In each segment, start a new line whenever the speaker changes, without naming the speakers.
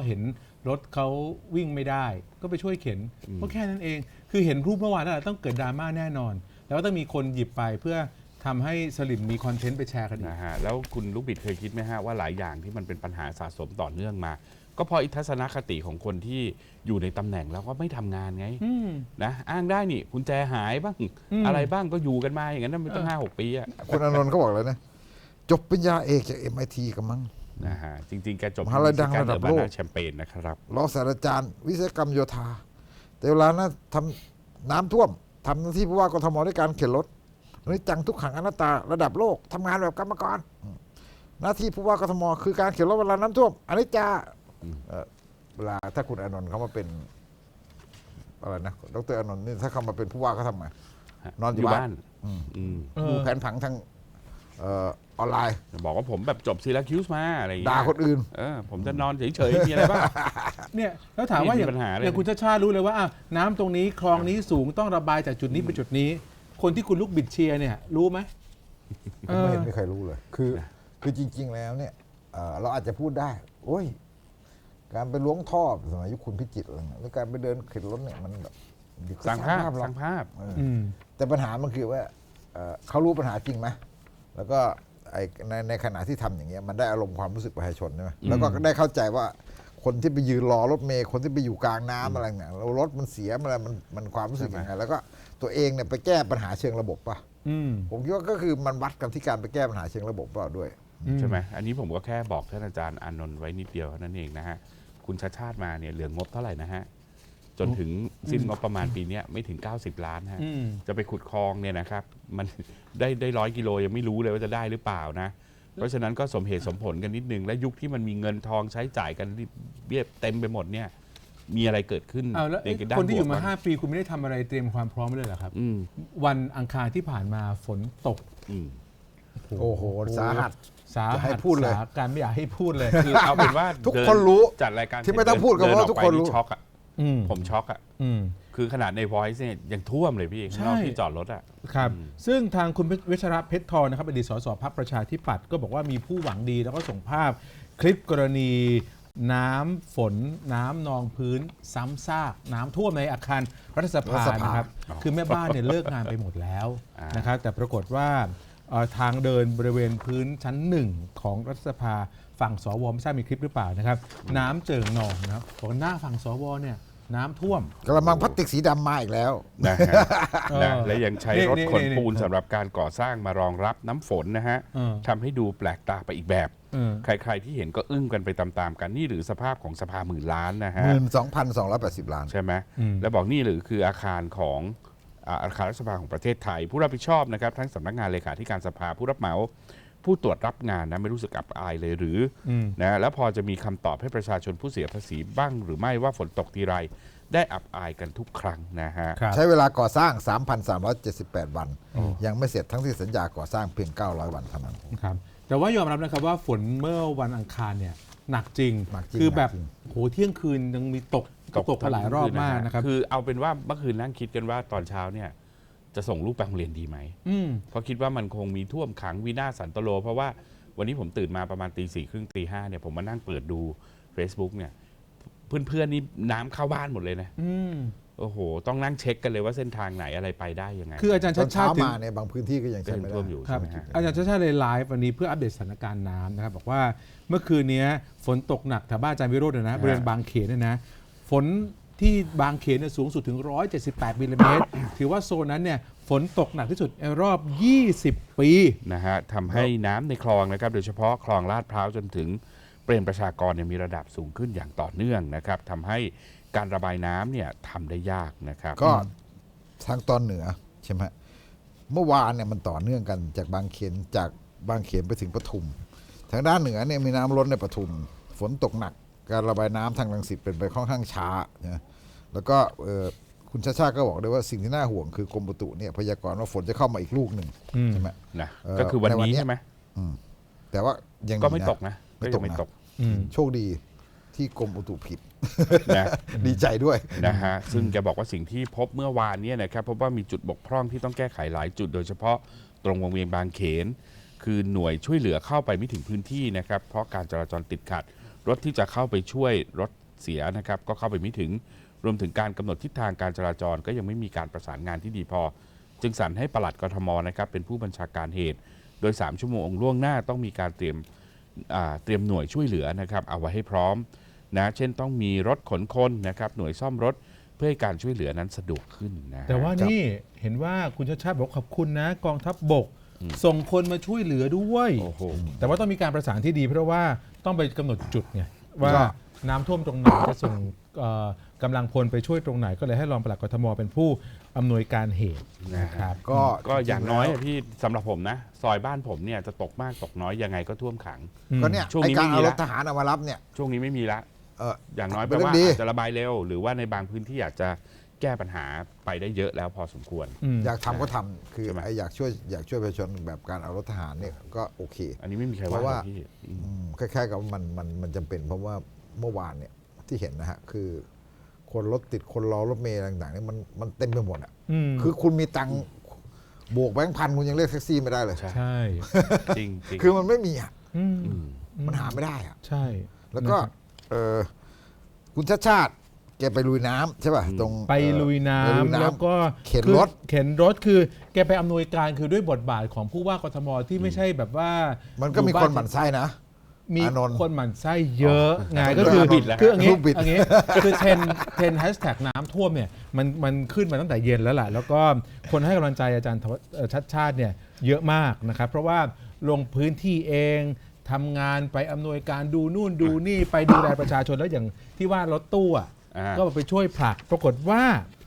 เห็นรถเขาวิ่งไม่ได้ก็ไปช่วยเข็นก็แค่นั้นเองคือเห็นรูปเมื่อวานแล้วต้องเกิดดราม่าแน่นอนแล้วก็ต้องมีคนหยิบไปเพื่อทำให้สลิมมีคอนเทนต์ไปแชร์กันนะ
ฮะแล้วคุณลูกบิดเคยคิดไหมฮะว่าหลายอย่างที่มันเป็นปัญหาสะสมต่อเนื่องมาก็เพราะทัศนคติของคนที่อยู่ในตำแหน่งแล้วก็ไม่ทำงานไงนะอ้างได้นี่กุญแจหายบ้างอะไรบ้างก็อยู่กันมาอย่างนั้นมันตั้ง5-6 ปีอะ
คุณอานนท์เขาบอกเลยนะจบปริญญาเอกจาก MIT กันมั้ง
นะฮะจริงๆแกจบ
มหาลัยดังระดับโลก
แชมเปญนะครับ
รองศาสตราจารย์วิศวกรรมโยธาแต่เวลานะทำน้ำท่วมทำหน้าที่ผู้ว่ากทมด้วยการเข็นรถนี่จังทุกขังอนัตตาระดับโลกทำงานแบบกรรมกรหน้าที่ผู้ว่ากทมคือการเข็นรถเวลาน้ำท่วมอันนี้จะเวลาถ้าคุณอานนท์เขามาเป็นอะไรนะดรอานนท์นี่ถ้าเขามาเป็นผู้ว่าเขาทำไงนอนอยู่บ้านดูแผนผังทางออนไลน์
บอกว่าผมแบบจบซีราคิวส์มาอะไรอย่างเงี้ย
ด่าคนอื่น
ผมจะนอนเฉยๆมีอะไรบ้าง
เนี่ยแล้วถามว่าอย่างคุณชาติรู้เลยว่าน้ำตรงนี้คลองนี้สูงต้องระบายจากจุดนี้ไปจุดนี้คนที่คุณลูกบิดเชียร์เนี่ยรู้ไหม
ไม่เห็นมีใครรู้เลยคือจริงๆแล้วเนี่ยเราอาจจะพูดได้โอ้ยการไปล้วงท่อสมัยยุคคุณพิจิตรอะไรเงี้ยหรือการไปเดินเข็นรถเนี่ยมันแบบ
สร้างภาพ
แต่ปัญหามันคือว่าเขารู้ปัญหาจริงไหมแล้วก็ในขณะที่ทำอย่างเงี้ยมันได้อารมณ์ความรู้สึกประชาชนใช่ไหมแล้วก็ได้เข้าใจว่าคนที่ไปยืนรอรถเมล์คนที่ไปอยู่กลางน้ำอะไรเนี่ยเรารถมันเสียมันความรู้สึกยังไงแล้วก็ตัวเองเนี่ยไปแก้ปัญหาเชิงระบบป่ะผมคิดว่าก็คือมันวัดกันที่การไปแก้ปัญหาเชิงระบบเปล่าด้วย
ใช่ไหมอันนี้ผมก็แค่บอกท่านอาจารย์อานนท์ไว้นิดเดียวเท่านั้นเองนะฮะคุณชาติชาติมาเนี่ยเหลืองบเท่าไหร่นะฮะจนถึงสิ้นงบประมาณปีนี้ไม่ถึง90 ล้านฮะจะไปขุดคลองเนี่ยนะครับมันได้100 กิโลยังไม่รู้เลยว่าจะได้หรือเปล่านะเพราะฉะนั้นก็สมเหตุสมผลกันนิดนึงและยุคที่มันมีเงินทองใช้จ่ายกันเบี้ยเต็มไปหมดเนี่ยมีอะไรเกิดขึ้น
ในด้านคนที่อยู่มา5 ปีคุณไม่ได้ทำอะไรเตรียมความพร้อมเลยเหรอครับวันอังคารที่ผ่านมาฝนตก
โอ้โหสาหัส
ให้พูดเลยการไม่อยากให้พูดเลย
คือเอาเป็นว่า
ทุกคนรู้
จัดรายการ
ที่ไม่ต้องพูดก็เพราะทุกคนรู้
ช็อกอ่ะผมช็อกอ่ะคือขนาดใน Voice เนี่ยยังท่วมเลยพี่ข้างนอกที่จอดรถอ่ะ
ครับซึ่งทางคุณวิชระเพชรทองนะครับอดีตสสพรรคประชาธิปัตย์ก็บอกว่ามีผู้หวังดีแล้วก็ส่งภาพคลิปกรณีน้ำฝนน้ำนองพื้นซ้ำซากน้ำท่วมในอาคารรัฐสภานะครับคือแม่บ้านเนี่ยเลิกงานไปหมดแล้วนะครับแต่ปรากฏว่าทางเดินบริเวณพื้นชั้น1ของรัฐสภาฝั่งสวไม่ทราบมีคลิปหรือเปล่านะครับน้ำเจิ่งนองนะครับบอกหน้าฝั่งสวเนี่ยน้ำท่วม
กระมังพลาสติกสีดำมาอีกแล้ว
นะและยังใช้รถขนปูนสำหรับการก่อสร้างมารองรับน้ำฝนนะฮะทำให้ดูแปลกตาไปอีกแบบใครๆที่เห็นก็อึ้งกันไปตามๆกันนี่หรือสภาพของสภา10,000 ล้านนะฮะ
12,280 ล้าน
ใช่ไหมแล้วบอกนี่หรือคืออาคารของอาคารรัฐสภาของประเทศไทยผู้รับผิดชอบนะครับทั้งสำนักงานเลขาธิการสภาผู้รับเหมาผู้ตรวจรับงานนะไม่รู้สึกอับอายเลยหรือนะแล้วพอจะมีคำตอบให้ประชาชนผู้เสียภาษีบ้างหรือไม่ว่าฝนตกทีไรได้อับอายกันทุกครั้งนะฮะ
ใช้เวลาก่อสร้าง 3,378 วันยังไม่เสร็จทั้งที่สัญญาก่อสร้างเพียง900 วันเท่านั้น
ครับแต่ว่ายอมรับนะครับว่าฝนเมื่อวันอังคารเนี่ยหนักจริงคือแบบโหเที่ยงคืนยังมีตกหลายรอบมากนะครับ
คือเอาเป็นว่าเมื่อคืนนั่งคิดกันว่าตอนเช้าเนี่ยจะส่งลูกไปโรงเรียนดีไหมเพราะคิดว่ามันคงมีท่วมขังวินาศสันตโลเพราะว่าวันนี้ผมตื่นมาประมาณ4:30 5เนี่ยผมมานั่งเปิดดู Facebook เนี่ยเพื่อนๆนี่น้ำเข้าบ้านหมดเลยนะโอ้โหต้องนั่งเช็คกันเลยว่าเส้นทางไหนอะไรไปได้ยังไง
คืออาจารย์ชาติชาติ
มาในบางพื้นที่ก็ยัง
ท่วมอยู่ใช่ไหมฮะ
อาจารย์ชาติชาติเลยไลฟ์วันนี้เพื่ออัปเดตสถานการณ์น้ำนะครับบอกว่าเมื่อคืนนี้ฝนตกหนักแถวบ้านอาจารย์วิโรจน์นะบริเวณบางเขนเนี่ยนะฝนที่บางเขนเนี่ยสูงสุดถึง178 มิลลิเมตรถือว่าโซนนั้นเนี่ยฝนตกหนักที่สุดในรอบ20 ปี
นะฮะทำให้น้ำในคลองนะครับโดยเฉพาะคลองลาดพร้าวจนถึงเปรมประชากรเนี่ยมีระดับสูงขึ้นอย่างต่อเนื่องนะครับทำให้การระบายน้ำเนี่ยทำได้ยากนะครับ
ก็ทางตอนเหนือใช่ไหมเมื่อวานเนี่ยมันต่อเนื่องกันจากบางเขนไปถึงปทุมทางด้านเหนือเนี่ยมีน้ำล้นในปทุมฝนตกหนักการระบายน้ำทางรังสิตเป็นไปค่อนข้างช้านะแล้วก็คุณชาชาก็บอกด้วยว่าสิ่งที่น่าห่วงคือกรมอุตุเนี่ยพยากรณ์ว่าฝนจะเข้ามาอีกลูกหนึ่งใช่ไหม
นะก็คือวันนี้ใช่ไหม
แต่ว่ายัง
ก็ไม่ตกนะ
ไม่ตกโชคดีที่กรมอุตุผิดนะดีใจด้วย
นะฮะซึ่งแกบอกว่าสิ่งที่พบเมื่อวานนี้นะครับพบว่ามีจุดบกพร่องที่ต้องแก้ไขหลายจุดโดยเฉพาะตรงวงเวียนบางเขนคือหน่วยช่วยเหลือเข้าไปไม่ถึงพื้นที่นะครับเพราะการจราจรติดขัดรถที่จะเข้าไปช่วยรถเสียนะครับก็เข้าไปไม่ถึงรวมถึงการกำหนดทิศทางการจราจรก็ยังไม่มีการประสานงานที่ดีพอ จึงสั่งให้ปลัดกทมนะครับเป็นผู้บัญชาการเหตุโดย3 ชั่วโมงล่วงหน้าต้องมีการเตรียมหน่วยช่วยเหลือนะครับเอาไว้ให้พร้อมนะเช่นต้องมีรถขนคนนะครับหน่วยซ่อมรถเพื่อให้การช่วยเหลือนั้นสะดวกขึ้นนะฮะ
แต่ว่านี่เห็นว่าคุณชาติชาติบอกขอบคุณนะกองทัพบก ส่งคนมาช่วยเหลือด้วย
โอ้โห
แต่ว่าต้องมีการประสานที่ดีเพราะว่าต้องไปกำหนดจุดไงว่า
ก็
น้ำท่วมตรงไหนจะส่งกำลังพลไปช่วยตรงไหนก็เลยให้รองปลัดกทมเป็นผู้อำนวยการเหตุนะครับ
ก็
อย่างน้อย
จริๆแล้ว
พี่สำหรับผมนะซอยบ้านผมเนี่ยจะตกมากตกน้อยยังไงก็ท่วมขัง
ก็เนี่ย
ช่วง
ไอ
นี้
การ
ไม่มี
เอาร
ละ
ถทหารเอามารับเนี่ย
ช่วงนี้ไม่มีละ อย่างน้อยแป
เป็
ล
นเรื่
ว่า
องดี
อาจจะระบายเร็ว หรือว่าในบางพื้นที่อาจจะแก้ปัญหาไปได้เยอะแล้วพอสมควร
อยากทำก็ทำคือ
ใช่ไหม
ไออยากช่วยประชาชนแบบการเอารถทหารเนี่ยก็โอเค
อันนี้ไม่มีใคร
เพ
ว่า
ราะว่า
หรอกพี่
คล้ายๆกับมันจำเป็นเพราะว่าเมื่อวานเนี่ยที่เห็นนะฮะคือ คนรถติดคนรอรถเมล์ต่างๆเนี่ยมันเต็มไปหมดอ่ะคือคุณมีตังค์บวกแบงค์พันคุณยังเรียกแท็กซี่ไม่ได้เลย
ใช่
จริงจริง
คือมันไม่มีอ่ะ
อืม
มันหาไม่ได้อ่ะ
ใช่
แล้วก็
นะครับ
คุณชาติชาติแกไปลุยน้ำใช่ป่ะตรง
ไปลุยน้
ไปลุย
ำแล้วก็
เข็น
คือ
รถ
เข็นรถคือแกไปอำนวยการคือด้วยบทบาทของผู้ว่ากทมที่ไม่ใช่แบบว่า
มันก็มีคนหมั่นไส้นะ
มี
อานนท์
คนหมั่นไส้เยอะไง
อ๋อ
ก็คือ
บิดแล้ว
คืออย่างงี้
รูปบิด
อย่างงี้คือเทรนแฮชแท็กน้ำท่วมเนี่ยมันขึ้นมาตั้งแต่เย็นแล้วแหละแล้วก็คนให้กำลังใจอาจารย์ชัดชาติเนี่ยเยอะมากนะครับเพราะว่าลงพื้นที่เองทำงานไปอำนวยการดูนู่นดูนี่ไปดูแลประชาชนแล้วอย่างที่ว่ารถตู้อ่ะ ก็ไปช่วยผลักปรากฏว่า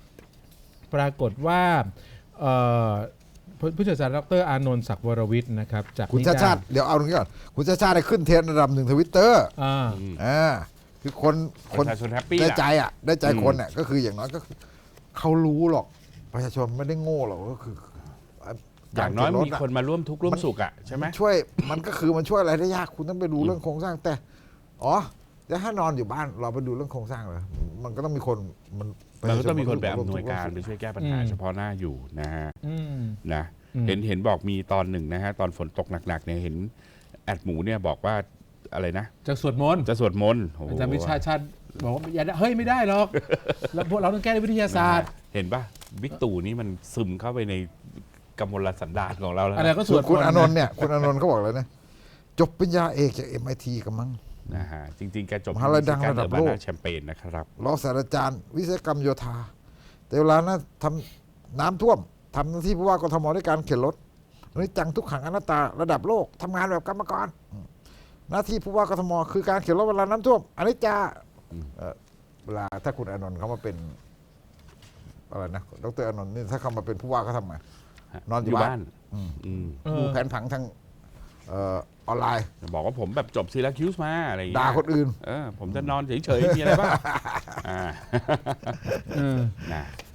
เอ่อผู้ช่วยศาสตราจารย์ดรอานนท์ศักดิ์วรวิทย์นะครับจาก
คุณชาติชาติเดี๋ยวเอาตรงนี้ก่อนคุณชาติชาติได้ขึ้นเทรนด์ระดับ1 Twitter คือคน
ประชาชนแฮปปี้
ได้
ล่ะ
ใจอ่ะได้ใจคนอ่ะก็คืออย่างน้อยก็คือเขารู้หรอกประชาชนไม่ได้โง่หรอกก็คือ
อย่างน้อย
กรเข็รถ
มีคนมาร่วมทุกข์ร่วมสุขอ่ะใช่ไหม
มันช่วยมันก็คือมันช่วยอะไรได้ยากคุณต้องไปดูเรื่องโครงสร้างแต่แต่ถ้านอนอยู่บ้านเราไปดูเรื่องโครงสร้างเลยมันก็ต้องมีคนมัน
ก็ต้องมีคนไปอำนวยการ
ร่
ไป
วม
ช่วยแก้ปัญหาเฉพาะหน้าอยู่นะฮะ
อืม
นะเห็นบอกมีตอนหนึ่งนะฮะตอนฝนตกหนักๆเนี่ยเห็นแอดหมูเนี่ยบอกว่าอะไรนะ
จากสวดมนต์
จะสวดมนต์โอ้โห
อาจารย์วิชาชาติบอกว่าอย่าเฮ้ยไม่ได้หรอกแล้วพวกเราต้องแก้ด้วยวิทยาศาสตร์
เห็นป่ะบิ๊กตู่นี่มันซึมเข้าไปในกำมลสันดานของเราแล้ว
อะไร
นะ
ก็ส
ส่
ว
ว
ด
นคุณ
มต์
อานนท์เนี่ยคุณอานนท์เขาบอกเลยนะจบปริญญาเอกจาก MIT กันมั้ง
นะฮะจริงๆแกจบ
มหาลัยดังระดับโลก
แชมเปญนะครับ
รองศาสตราจารย์วิศวกรรมโยธา แต่เวลานะทำน้ำท่วมทำหน้าที่ผู้ว่ากทมด้วยการเข็นรถนี่จังทุกขังอนัตตาระดับโลกทำงานแบบกรรมกรหน้าที่ผู้ว่ากทมคือการเข็นรถเวลาน้ำท่วมอันนี้จะเวลาถ้าคุณอานนท์เขามาเป็นอะไรนะดรอานนท์นี่ถ้าเขามาเป็นผู้ว่าเขาทำไงนอนอยู่บ้าน ดูแผนผังทางออนไลน์
บอกว่าผมแบบจบซีราคิวส์มาอะไรอย่างเงี้ย
ด่าคนอื่น
ผมจะนอนเฉยๆมีอะไรบ้างนะ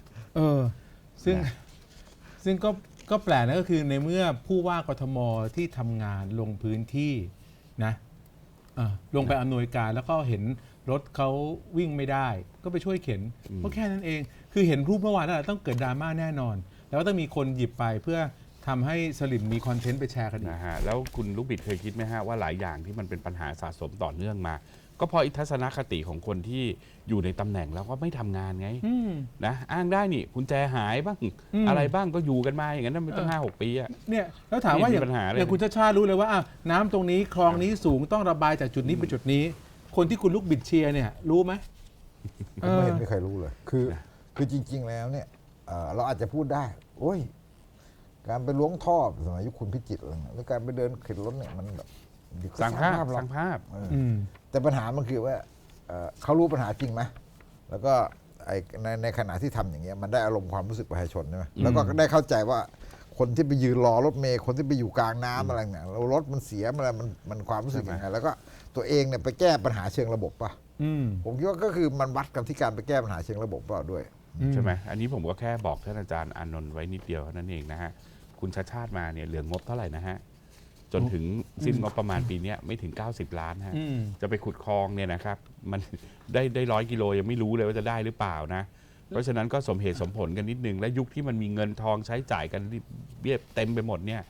ซึ่งก็แปลกนะก็คือในเมื่อผู้ว่ากทมที่ทำงานลงพื้นที่นะลงไปอำนวยการแล้วก็เห็นรถเขาวิ่งไม่ได้ ก็ไปช่วยเข็นก็แค่นั้นเองคือเห็นรูปเมื่อวานนั่นแหละต้องเกิดดราม่าแน่นอน แล้วก็ต้องมีคนหยิบไปเพื่อทำให้สลิมมีคอนเทนต์ไปแชร์กันอีก
นะฮะแล้วคุณลูกบิดเคยคิดไหมฮะว่าหลายอย่างที่มันเป็นปัญหาสะสมต่อเนื่องมา ก็เพราะอิทัศนคติของคนที่อยู่ในตำแหน่งแล้วก็ไม่ทำงานไงนะอ้างได้นี่กุญแจหายบ้างอะไรบ้างก็อยู่กันมาอย่างนั้นมันตั้ง5-6 ปีอะ
เนี่ยแล้วถามว่าอย่างคุณชาติชาติรู้เลยว่าน้ำตรงนี้คลองนี้สูงต้องระบายจากจุดนี้ไปจุดนี้ คนที่คุณลูกบิดเชียร์เนี่ยรู้ไหม
ผมไม่เห็นมีใครรู้เลย คือจริง ๆ แล้วเนี่ยเราอาจจะพูดได้ โอ้ย การไปล้วงท่อสมัยยุคคุณพิจิตรอะไรเงี้ยหรือการไปเดินเข็นรถเนี่ยมันแบบ
สร้างภาพ
หร
ส
อก
ร้างภาพ
แต่ปัญหามันคือว่าเขารู้ปัญหาจริงไหมแล้วก็ในขณะที่ทำอย่างเงี้ยมันได้อารมณ์ความรู้สึกประชาชนใช่ไหมแล้วก็ได้เข้าใจว่าคนที่ไปยืนรอรถเมล์คนที่ไปอยู่กลางน้ำอะไรเนี่ยแล้วรถมันเสียมันความรู้สึกยังไงแล้วก็ตัวเองเนี่ยไปแก้ปัญหาเชิงระบบป่ะผมคิดว่าก็คือมันวัดกันที่การไปแก้ปัญหาเชิงระบบเปล่าด้วย
ใช่ไหมอันนี้ผมก็แค่บอกท่านอาจารย์อานนท์ไว้นิดเดียวเท่านั้นเองนะฮะคุณชาติชาติมาเนี่ยเหลืองบเท่าไหร่นะฮะจนถึงสิ้นงบประมาณปีนี้ไม่ถึง90 ล้านฮะจะไปขุดคลองเนี่ยนะครับมันได้100 กิโลยังไม่รู้เลยว่าจะได้หรือเปล่านะเพราะฉะนั้นก็สมเหตุสมผลกันนิดนึงและยุคที่มันมีเงินทองใช้จ่ายกันเบี้ยเต็มไปหมดเนี่ย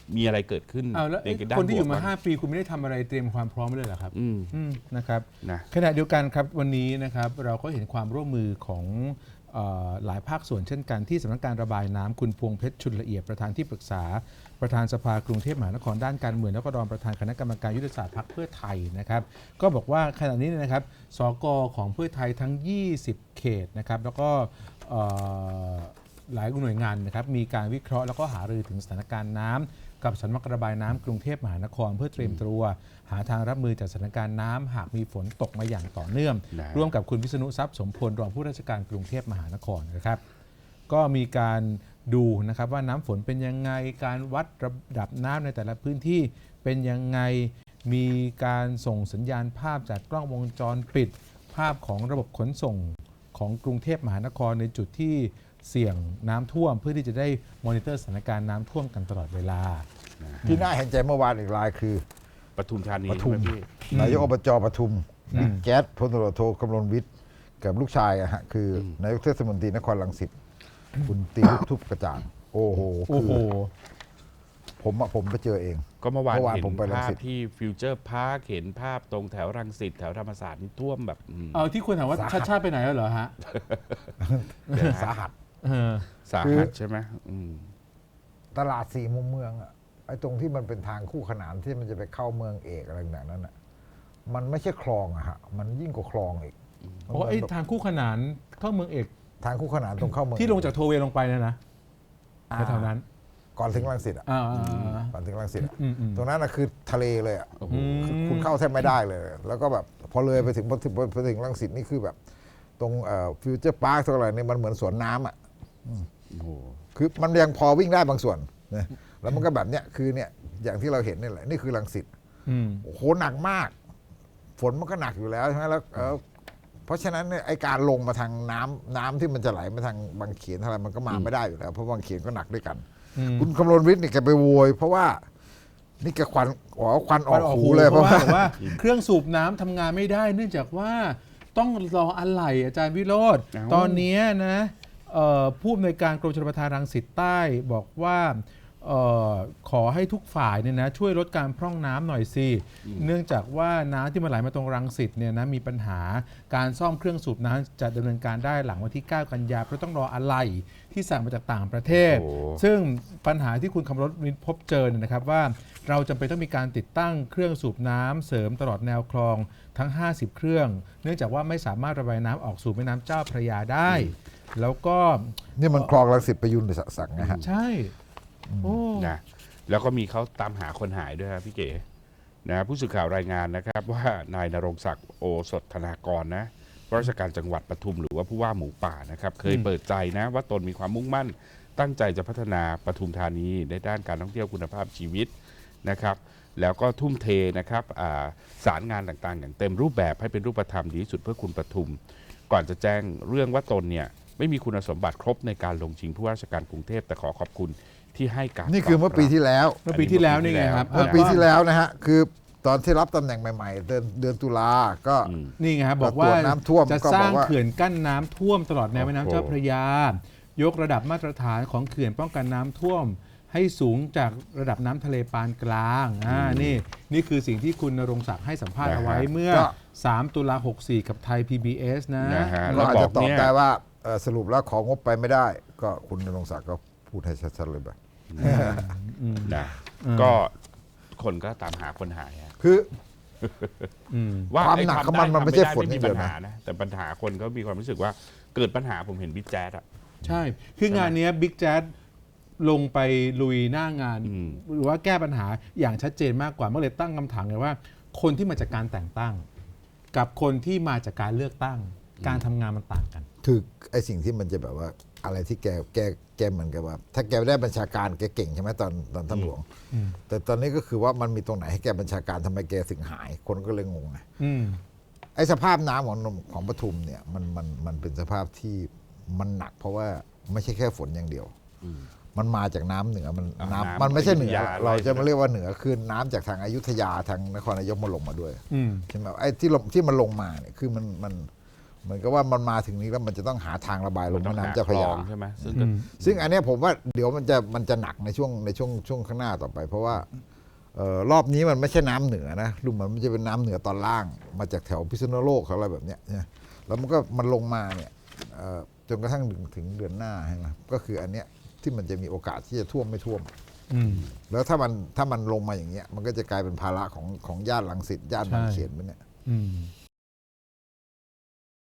มีอะไรเกิดขึ้น
เอาแล้ว
ในด้าน
คนที่อยู่
บวก
มา
บ้าง
5 ปีคุณไม่ได้ทำอะไรเตรียมความพร้อมไว้เลยเหรอครับ
อืม
นะครับ
นะ
ขณะเดียวกันครับวันนี้นะครับเราก็เห็นความร่วมมือของหลายภาคส่วนเช่นกันที่สำนักการระบายน้ำคุณพวงเพชรชุนละเอียดประธานที่ปรึกษาประธานสภากรุงเทพมหานครด้านการเมืองแล้วก็รองประธานคณะกรรมการยุทธศาสตร์พรรคเพื่อไทยนะครับก็บอกว่าขณะนี้เนยนะครับสกของเพื่อไทยทั้ง 20 เขตนะครับแล้วก็หลายหน่วยงานนะครับมีการวิเคราะห์แล้วก็หารือถึงสถานการณ์น้ำกับสำนักระบายน้ำกรุงเทพมหานครเพื่อเตรียมตัวหาทางรับมือจากสถานการณ์น้ำหากมีฝนตกมาอย่างต่อเนื่อง
นะ
ร่วมกับคุณวิษณุทรัพย์สมพลรองผู้ราชการกรุงเทพมหานครนะครับก็มีการดูนะครับว่าน้ำฝนเป็นยังไงการวัดระดับน้ำในแต่ละพื้นที่เป็นยังไงมีการส่งสัญญาณภาพจากกล้องวงจรปิดภาพของระบบขนส่งของกรุงเทพมหานครในจุดที่เสี่ยงน้ำท่วมเพื่อที่จะได้มอนิเตอร์สถานการณ์น้ำท่วมกันตลอดเวลา
ที่น่าเห็นใจเมื่อวานอีกรายคือ
ปทุมธานี
ปทุม
ใช่ไหพี่
นายกอบจปทุมแจ๊ดพลตำรวจโทกำลวิทย์กับลูกชายอะฮะคือนายกเทศมนตรีนครรังสิตคุณตีลูกทุบกระจ่าง โอ้โห
โอ้โห
ผมไปเจอเอง
ก็เมื่อวาน
เมื่อวาน
เห็น
ผมไปรัง
ภาพ
สิต
ที่ฟิวเจอร์พาร์คเห็นภาพตรงแถวรังสิตแถวธรรมศาสตร์นี่ท่วมแบบ
เอาที่คุณถามว่า
สาหัส
ชาติไปไหนแล้วเหรอฮะ
สาหัส
เออ
สาหัสใช่ไหม
ตลาดสี่มุมเมืองอะไอ้ตรงที่มันเป็นทางคู่ขนานที่มันจะไปเข้าเมืองเอกอะไรแบบนั้นอะมันไม่ใช่คลองอะฮะมันยิ่งกว่าคลองอีก
โอ้ไอ้ทางคู่ขนานเข้าเมืองเอก
ทางคู่ขนานตรงเข้าเมือง
ที่ลงจากโทเวย์ลงไปเนยนะ
อ่า
แถวๆนั้น
ก่อนถึงรังสิตอะ
อ่า
ก่อนถึงรังสิตอะ
อืม
ตรงนั้นอะคือทะเลเลยอะ
โอ้โห
คือคุณเข้าแทบไม่ได้เลย แล้วก็แบบพอเลยไปถึงรังสิตนี่คือแบบ ตรงฟิวเจอร์พาร์คตัวอะไรเนี่ยมันเหมือนสวนน้ำอะ
โอ้โห
คือมันยังพอวิ่งได้บางส่วนนะแล้วมันก็แบบเนี้ยคือเนี่ยอย่างที่เราเห็นนี่แหละนี่คือรังสิต
อืม
โอ้โหหนักมาก ฝนมันก็หนักอยู่แล้วใช่ไหมแล้วเพราะฉะนั้นเนี่ยไอการลงมาทางน้ำที่มันจะไหลมาทางบางเขนอะไรมันก็มาไม่ได้อยู่แล้วเพราะบางเขนก็หนักด้วยกัน คุณคำรณวิทย์เนี่ยแกไปโวยเพราะว่านี่แกควันออกหูเลยเพราะว่า
เครื่องสูบน้ำทำงานไม่ได้ เนื่องจากว่าต้องรออะไหล่อาจารย์วิโรจน์
เอ้า
ตอนนี้นะผู้อำนวยการกรมชลประทานรังสิตใต้บอกว่าขอให้ทุกฝ่ายเนี่ยนะช่วยลดการพร่องน้ำหน่อยสิเนื่องจากว่าน้ำที่มาไหลมาตรงรังสิตเนี่ยนะมีปัญหาการซ่อมเครื่องสูบน้ำจะดำเนินการได้หลังวันที่ 9 กันยายนเพราะต้องรออะไหล่ที่สั่งมาจากต่างประเทศ
โอ้โห
ซึ่งปัญหาที่คุณคำรณวิทย์พบเจอเนี่ยนะครับว่าเราจำเป็นต้องมีการติดตั้งเครื่องสูบน้ำเสริมตลอดแนวคลองทั้ง 50 เครื่อง เนื่องจากว่าไม่สามารถระบายน้ำออกสู่แม่น้ำเจ้าพระยาได้ แล้วก็
นี่มันคลองรังสิตประยุนหรือสักนะฮะ
ใช่โอ้
นะแล้วก็มีเขาตามหาคนหายด้วยครับพี่เก๋นะผู้สื่อข่าวรายงานนะครับว่านายณรงค์ศักดิ์โอสถธนากรนะราชการจังหวัดปทุมหรือว่าผู้ว่าหมูป่านะครับเคยเปิดใจนะว่าตนมีความมุ่งมั่นตั้งใจจะพัฒนาปทุมธานีในด้านการท่องเที่ยวคุณภาพชีวิตนะครับแล้วก็ทุ่มเทนะครับสารงานต่างๆ อย่างเต็มรูปแบบให้เป็นรูปธรรมดีที่สุดเพื่อคุณปทุม ก่อนจะแจ้งเรื่องว่าตนเนี่ยไม่มีคุณสมบัติครบในการลงชิงผู้ว่าราชการกรุงเทพแต่ขอขอบคุณที่ให้การ
นี่คือเมื่อปีที่แล้ว
เมื่อปีที่แล้วนี่ไงครับ
เมื่อปีที่แล้วนะฮะคือตอนที่รับตำแหน่งใหม่ๆเดือนตุลาก็
นี่ไงครับบอกว่า
ตรวจน้ำท่วม
จะ
ก็
ส
บ
ร้า
อง กว่า
เขื่อนกั้นน้ำท่วมตลอดแนวแม่น้ำ
โอ้โห
เจ้าพระยายกระดับมาตรฐานของเขื่อนป้องกันน้ำท่วม ให้สูงจากระดับน้ำทะเลปานกลางนี่คือสิ่งที่คุณณรงค์ศักดิ์ให้สัมภาษณ์เอาไว้เมื่อ 3 ตุลา 64 กับไทย PBS นะ
นะฮะ
เราอาจจะตอบ
เนี่ย
ได้ว่าสรุปแล้วของงบไปไม่ได้ ก็คุณณรงค์ศักดิ์ก็พูดให้ชัดๆเลยแบบ
นะก็คนก็ตามหาคนหายอะ
คือ
ว่า
ความ
ไอ้
หนัก
ทำ
ของมัน
ด้
มันไม่ใช่
ทำ
ฝน
ด้
อย่างเดียวนะ
ปัญหาแต่ปัญหาคนก็มีความรู้สึกว่าเกิดปัญหาผมเห็นบิ๊กแจ๊ดอะ
ใช่ คืองานเนี้บิ๊กแจ๊ดลงไปลุยหน้างาน หรือว่าแก้ปัญหาอย่างชัดเจนมากกว่าเมื่อเลยตั้งคำถามเลยว่า คนที่มาจากการแต่งตั้ง กับคนที่มาจากการเลือกตั้ง การทำงานมันต่างกัน
คือไอ้สิ่งที่มันจะแบบว่าอะไรที่แกเหมือนกับว่า ถ้าแกได้บัญชาการแกเก่งใช่ไหมตอนท่านหลวง แต่ตอนนี้ก็คือว่ามันมีตรงไหนให้แกบัญชาการทำไมแกถึงหาย คนก็เลยงงไง ไอ้สภาพน้ำของปทุมเนี่ยมันเป็นสภาพที่มันหนัก เพราะว่าไม่ใช่แค่ฝนอย่างเดียว มันมาจากน้ำเหนือมันไม่ใช่เหนือ เราจะมาเรียกว่าเหนือคือน้ำจากทางอยุธยาทางนครนายกมาลงมาด้วยใช่ไหมไอ้ที่มันลงมาเนี่ยคือเหมือนกับว่ามันมาถึงนี้แล้วมันจะต้องหาทางระบายลงแม่น้ำเจ้าพระยา
ใช่ไหมซึ่ง
ซึ่งอันเนี้ยผมว่าเดี๋ยวมันจะหนักในช่วงข้างหน้าต่อไป เพราะว่ารอบนี้มันไม่ใช่น้ำเหนือนะดูเหมือนมันจะเป็นน้ำเหนือตอนล่างมาจากแถวพิษณุโลกอะไรแบบเนี้ยนะแล้วมันลงมาเนี่ยจนกระทั่งถึงเดือนหน้าใช่ไหมก็คืออันเนี้ยที่มันจะมีโอกาสที่จะท่วมไม่ท่วมแล้วถ้ามันลงมาอย่างเงี้ยมันก็จะกลายเป็นภาระของย่านรังสิตย่านบางเขนไปเนี่ย